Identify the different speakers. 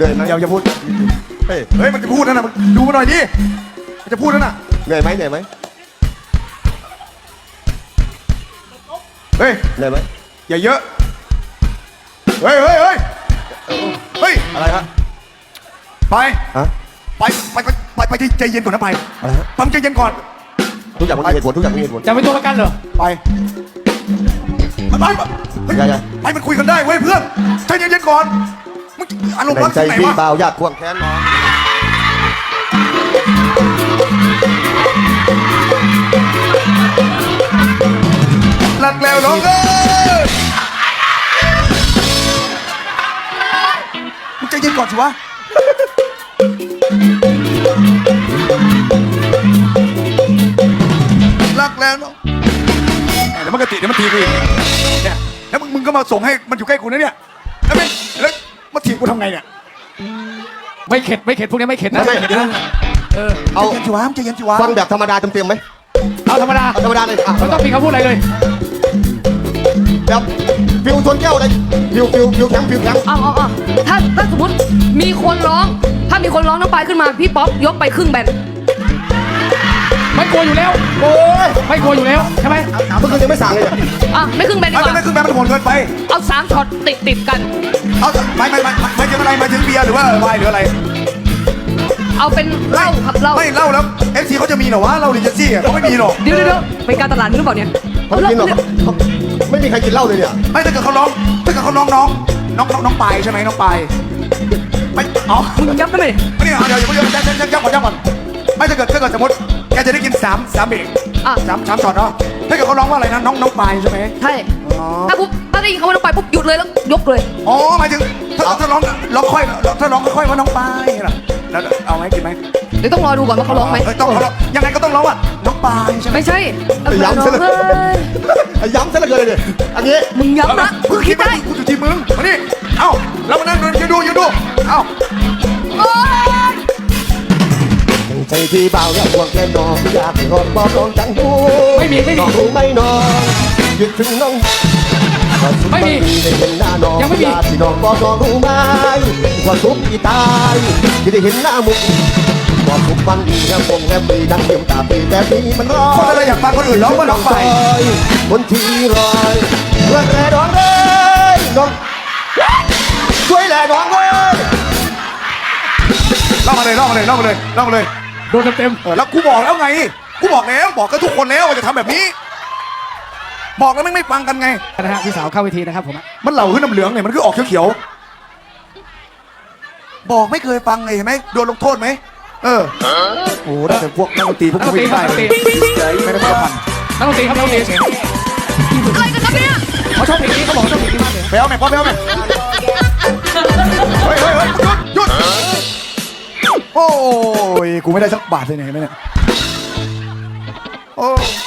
Speaker 1: นื่อยไหม
Speaker 2: อย่าพูด
Speaker 1: เฮ้ย
Speaker 2: เฮ้ยมันจะพูดนั่นน่ะดูมาหน่อยดิมันจะพูดนั่นน่ะ
Speaker 1: เหนื่อยไหมเหนื่อยไหม
Speaker 2: เฮ้ย
Speaker 1: เหนื่อยไหม
Speaker 2: อย่าเยอะเฮ้ยเฮ้ยเฮ้ยเฮ้ย
Speaker 1: อะไรฮะ
Speaker 2: ไป
Speaker 1: ฮะ
Speaker 2: ไปใจเย็นก่อนนะไป
Speaker 1: อะไรฮะ
Speaker 2: ปั๊มใจเย็นก่อน
Speaker 1: ทุกอย่างมันมีเหตุผลทุกอย่างมีเหตุผล
Speaker 3: จะเป็นตัวประกันเหรอ
Speaker 2: ไปเฮ้ย
Speaker 1: อย่า
Speaker 2: ไปมันคุยกันได้เว้ยเพื่อนใจเย็นๆก่อนมึงอารมณ์
Speaker 1: แบ่
Speaker 2: ร้อง น
Speaker 1: ใจ
Speaker 2: ที่ไหน
Speaker 1: พี่
Speaker 2: วะ
Speaker 1: เบาอยากควงแขนน้อง
Speaker 2: หลักแล้วน้องเอ้ยมึงใจเย็นก่อนสิวะรักแล้วน้องเดี๋ยวมันก็ติเดี๋ยวมันทีกูอีกเนี่ยแล้วมึงก็มาส่งให้มันอยู่ใกล้กูนะเนี่ยแล้วมาถีบกูทำไงเนี่ย
Speaker 3: ไม่เข็ดไม่เข็ดพวกนี้ไม่เข็ดนะ
Speaker 1: ไม่
Speaker 3: เข็ดนะเออ
Speaker 1: เอา
Speaker 2: ใจเย็นสิวะใจเย็นสิวะ
Speaker 1: ฟังแบบธรรมดาเต็มๆไหม
Speaker 3: เอาธรรมดา
Speaker 1: เอาธรรมดาเลยอ่ะ
Speaker 3: ไม่ต้องมีคำพูดอะไรเลย
Speaker 1: แบบฟิวชนแก้วเลยฟิวแข็งฟิวแข็ง
Speaker 4: เอาถ้าสมมติมีคนร้อง ถ้ามีคนร้องน้องปายขึ้นมาพี่ป๊อปยกไปครึ่งแบน
Speaker 3: ไม่กลัวอยู่แล้ว
Speaker 1: โอ้ย
Speaker 3: ไม่กลัวอยู่แล้วใช่ไหม
Speaker 1: เมื่อคืนยังไม่สั่งเลยเนี่ย
Speaker 4: อ่ะไม่ครึ่งแบนดีกว่า
Speaker 2: ไม่คือแม่มันโหดเกินไป
Speaker 4: เอา3ช็อตติดกัน
Speaker 2: เอาไม่ถึงอะไรมาถึงเบียร์หรือว่าไวน์หรืออะไร
Speaker 4: เอาเป็นเหล้าครับเหล้า
Speaker 2: ไม่เล่าแล้วเอฟซีเขาจะมีเหรอวะเราดิเจซี่เขาไม่มีหรอก
Speaker 4: เดี๋ยวเป็นการตลาดหรือเปล่าเนี่ย
Speaker 1: เขาไม่กินหรอกเขาไม่มีใครกินเหล้าเลยเนี่ย
Speaker 2: ไม่ถ้าเกิดเขาร้องน้องปายใช่ไหมน้องปายไม่อ๋อ
Speaker 4: มึงยับได้ไหม
Speaker 2: ไม่เนี่ยเดี๋ยวยับก่อนไม่ถ้าเกิดสมมติแกจะได้กิน3เบรก
Speaker 4: อ่ะ
Speaker 2: 3ช็อตเนาะถ้าเกิดเขาร้องว่าอะไรนะน้องปายใช่ไหม
Speaker 4: ใช่
Speaker 2: อ๋อ
Speaker 4: ถ้าได้ยินคำว่าน้องปายปุ๊บหยุดเลยแล้วยกเลย
Speaker 2: อ๋อหมายถึงถ้าร้องค่อยถ้าร้องค่อยว่าน้องปายล่ะแล้วเอาไหมกินไหม
Speaker 4: เดี๋ยวต้องรอดูก่อนว่าเขาร้องไหม
Speaker 2: ต้องเขาร้องยังไงก็ต้องร้องว่าน้องปายใช่ไหม
Speaker 4: ไม่ใช่เอา
Speaker 1: ย้ำ
Speaker 4: น้อ
Speaker 1: ซะ
Speaker 4: ง
Speaker 1: เลย
Speaker 4: เอ้ย
Speaker 1: ย้ำซะเหลยเลยอันนี้
Speaker 4: มึงย้ำนะมึงคิดได้
Speaker 2: กูอยู่ที่มึงมานี่เอ้าเรามานั่งดูยืนดูเอ้า
Speaker 4: โอ๊ย
Speaker 1: ใจพี่เบาอยากควงแขนน้องอยากกอดบอกน้องจังหู
Speaker 3: ไม่มี
Speaker 1: น้องรู้ไหมน้องคิดถึงน้องได้เห็นหน้าน้องอยากที่น้องบอกน้องรู้ไหมว่าทุกที่ตายที่ได้เห็นหน้ามุกบอกทุกวันดีแฮมปงแฮมปีดังเยี่ยมตาปีแต่ปีมันร้อน
Speaker 2: คนอะไรอยากฟังคนอื่นร้องว่าน้องปาย
Speaker 1: คนที่รอยเพื่อนแร่น้องเลยน้องช่วยแร่น้องเลย
Speaker 2: เล่ามาเลย
Speaker 3: โดนเต็ม
Speaker 2: แล้วกูบอกแล้วไงกูบอกแล้วบอกกับทุกคนแล้วว่าจะทำแบบนี้ บอกแล้วไม่ฟังกันไง
Speaker 3: ๆนะฮะพี่สาวเข้าเวทีนะครับผม
Speaker 2: มันเหล่าขึ้นน้ำเหลืองเนี่ยมันคือออกเขียวๆบอกไม่เคยฟังไงเห็นไหมโดนลงโทษไหมโอ้โหได้แต่พวกนักดนตรีพวก
Speaker 3: นักด
Speaker 2: กู
Speaker 3: นตรี
Speaker 2: ไม่
Speaker 3: ครับ
Speaker 2: ได้
Speaker 3: นักดนตรี
Speaker 2: ไม่ได้พัน
Speaker 3: นักดนตรีครับนักดนตรี
Speaker 4: อะไรกันครับเนี่ย
Speaker 3: เขาชอบเพลงนี้เขาบอกชอบเพลงนี้มากเลย
Speaker 2: ไปเอาแม่เฮ้ยหยุดโอ้ยกูไม่ได้สักบาทเลยเนี่ยเห็นไหมเนี่ยโอ้